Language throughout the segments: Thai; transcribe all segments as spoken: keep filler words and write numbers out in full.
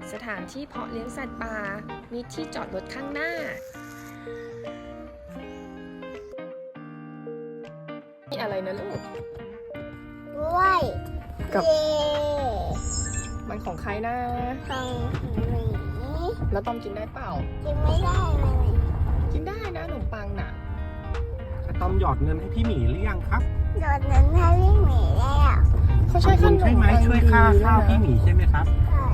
สถานที่เพาะเลี้ยงสัตว์ป่ามีที่จอดรถข้างหน้านี่อะไรนะลูกด้วยกับเย่มันของใครนะของหมีแล้วต้อมกินได้เปล่ากินไม่ได้เลยกินได้นะขนมปังน่ะอะตอมหยอดเงินให้พี่หมีหรือยังครับโดดนั้นให้พี่หมีแล้วเขาใช้ขนมใช่ไหมปังช่วยค่าดีข้าวด้วยนะพี่หมีใช่ไหมครับ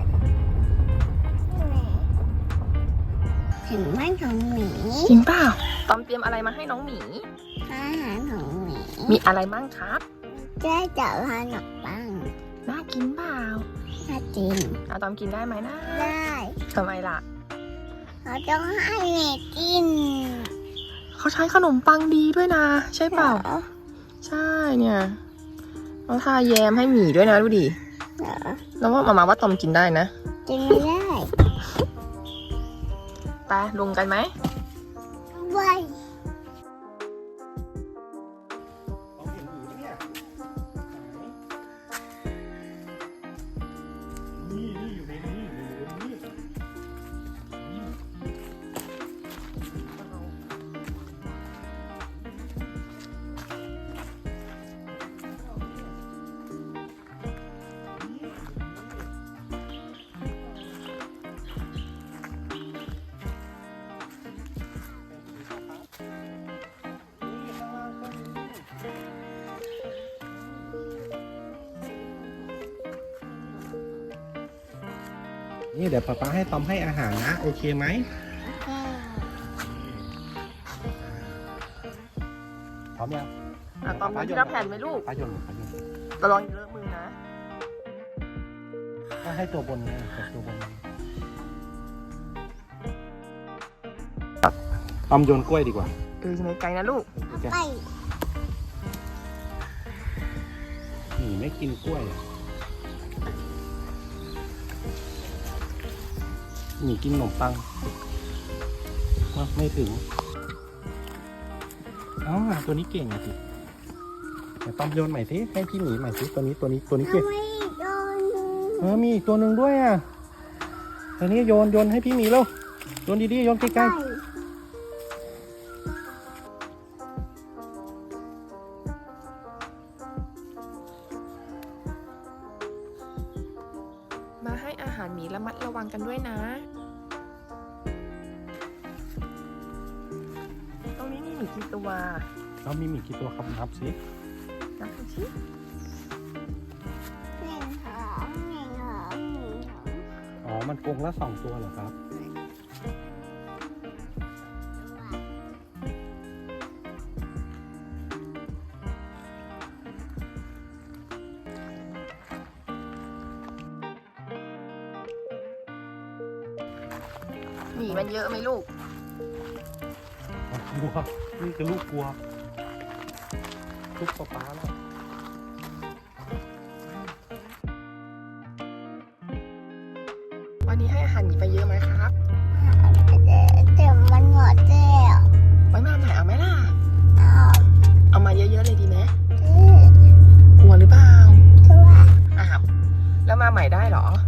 ถึงบ้านของหมีจริงเปล่าต้อมเตรียมอะไรมาให้น้องหมีอาหารของหมีมีอะไรบ้างครับเจ๊จะพาหนกปังน่ากินเปล่าถ้าจริงอาตอมกินได้ไหมนะได้ทำไมล่ะเขาต้องให้หมีกินเขาใช้ขนมปังดีด้วยนะ ใช่เปล่าหรอใช่เนี่ยเราทาแยมให้หมีด้วยนะดูดิเหรอแล้วว่ามามาว่าตอมกินได้นะกินไม่ได้ไปลงกันไหมไว้นี่นี่อยู่ในนี้อยู่ในนี้นี่เดี๋ยวป๊าป๊าให้ตอมให้อาหารนะ โอเคไหมพร้อมยังอ่ะตอมกินที่รับแผ่นไหมลูกป้าโยนป้าโยนระวังเลอะมือนะก็ให้ตัวบนนะตัวบนตอมโยนกล้วยดีกว่าเออยังไงไกลนะลูกไปหมีไม่กินกล้วยอะหมีกินขนมปังอ่ะไม่ถึงอ๋อตัวนี้เก่งอะสิเดี๋ยวตอมโยนใหม่สิให้พี่หมีใหม่สิตัวนี้ตัวนี้ตัวนี้เก่งไม่โดนเออมีอีกตัวหนึ่งด้วยอ่ะตัวนี้โยนโยนให้พี่หมีแล้วโยนดีๆโยนใกไปล้มาให้อาหารหมีระมัดระวังกันด้วยนะ ตรงนี้มีหมีกี่ตัวๆแล้วมีหมีกี่ตัวครับนับสินับดูสิหนึ่งสองหนึ่งสองหนึ่งสองอ๋อมันกรงละสองตัวเหรอครับหมีมันเยอะไหมลูกกลัวนี่คือลูกกลัวลูกป๊าป๊าแล้ววันนี้ให้อาหารหมีไปเยอะไหมครับเดี๋ยวมันหมดแล้วไว้มาใหม่เอาไหมล่ะเอาเอามาเยอะๆเลยดีไหมที่กลัวหรือเปล่าตัวอ้าวแล้วมาใหม่ได้เหรอ